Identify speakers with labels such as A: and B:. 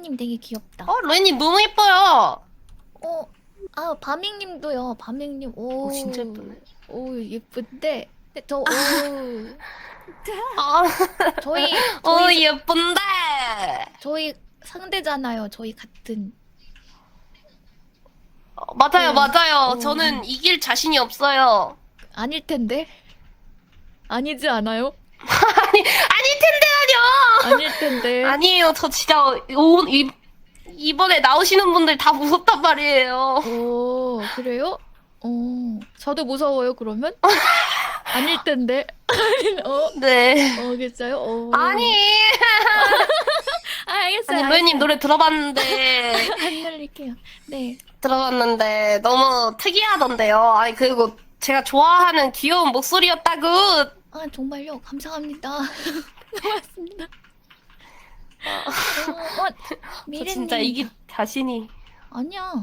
A: 로이님 되게 귀엽다.
B: 로이님 너무 예뻐요.
A: 바밍님도요. 바밍님, 오,
B: 진짜 예쁘네.
A: 오, 예쁜데. 근데
B: 아,
A: 저희
B: 예쁜데.
A: 저희 상대잖아요. 저희 같은.
B: 맞아요,
A: 네.
B: 맞아요. 저는 이길 자신이 없어요.
A: 아닐 텐데. 아니지 않아요?
B: 아닐 텐데요.
A: 아닐 텐데.
B: 아니에요. 저 진짜 이번에 나오시는 분들 다 무섭단 말이에요.
A: 오, 그래요? 저도 무서워요, 그러면? 아닐 텐데.
B: 네.
A: 괜찮아요?
B: 아니.
A: 알겠어요.
B: 아니, 로이님 노래 들어봤는데,
A: 안 날릴게요. 네.
B: 너무 특이하던데요. 아니, 그리고 제가 좋아하는 귀여운 목소리였다고.
A: 정말요? 감사합니다. 고맙습니다.
B: 저
A: 미래님.
B: 진짜 이길 자신이.
A: 아니야.